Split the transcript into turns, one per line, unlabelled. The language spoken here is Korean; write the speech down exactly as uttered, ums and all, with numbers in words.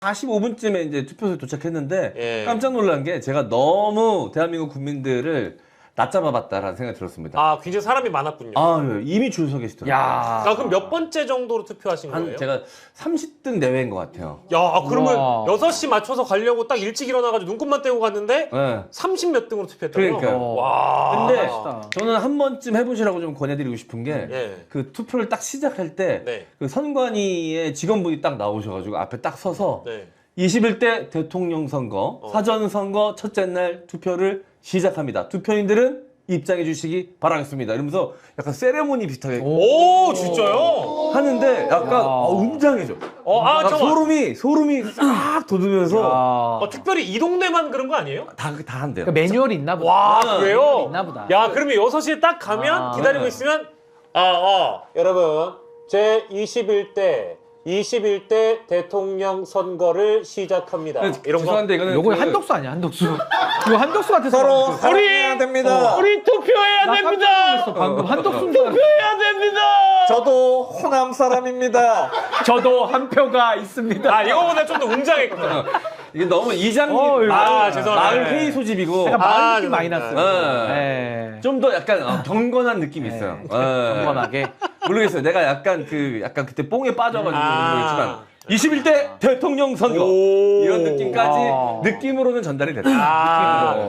사십오 분쯤에 이제 투표소에 도착했는데
예.
깜짝 놀란 게 제가 너무 대한민국 국민들을 낮잡아봤다라는 생각이 들었습니다.
아, 굉장히 사람이 많았군요.
아, 예. 이미 줄 서 계시더라고요.
야.
아, 그럼 몇 번째 정도로 투표하신
한
거예요?
제가 삼십 등 내외인 것 같아요.
야, 그러면
우와.
여섯 시 맞춰서 가려고 딱 일찍 일어나가지고 눈곱만 떼고 갔는데
네.
삼십 몇 등으로 투표했다고요?
그러니까요.
와.
근데
멋있다.
저는 한 번쯤 해보시라고 좀 권해드리고 싶은 게 그
예.
투표를 딱 시작할 때
네.
그 선관위의 직원분이 딱 나오셔가지고 앞에 딱 서서
네.
이십일 대 대통령 선거
어.
사전 선거 첫째 날 투표를 시작합니다. 투표인들은 입장해 주시기 바라겠습니다. 이러면서 약간 세레모니 비슷하게
오, 진짜요?
하는데 약간
야.
어, 웅장해져.
어, 아,
막
잠깐만.
소름이 소름이 싹 돋으면서
야.
어, 특별히 이 동네만 그런 거 아니에요?
다 다 한대요.
그 매뉴얼이 있나 보다.
와, 그래요?
있나 보다.
야, 그러면 여섯 시에 딱 가면
아.
기다리고
네.
있으면 아, 아. 여러분, 제 이십일 대 이십일 대 대통령 선거를 시작합니다. 이런 거.
죄송한데 이거는
요거
그-
한덕수 아니야, 한덕수. 이거 한덕수 같아서.
서로
그랬어.
사랑해야 됩니다.
우리 투표해야
나 깜짝 놀랐어, 방금 한덕수인 줄 알았어.
투표해야 됩니다.
저도 호남 사람입니다.
저도 한 표가 있습니다.
아, 이거보다 좀 더 웅장했구나.
이게 너무 이장님
어, 이거-
아, 죄송합니다.
마을
네.
회의 소집이고
약간
아,
마을 느낌 많이
죄송합니다.
났어요.
네.
네.
좀 더 약간 어, 경건한 느낌이
네.
있어요. 예.
경건하게.
모르겠어요. 내가 약간 그 약간 그때 뽕에 빠져가지고
아.
모르겠지만 이십일 대 대통령 선거
오.
이런 느낌까지
아.
느낌으로는 전달이 됐다.
아.
느낌으로.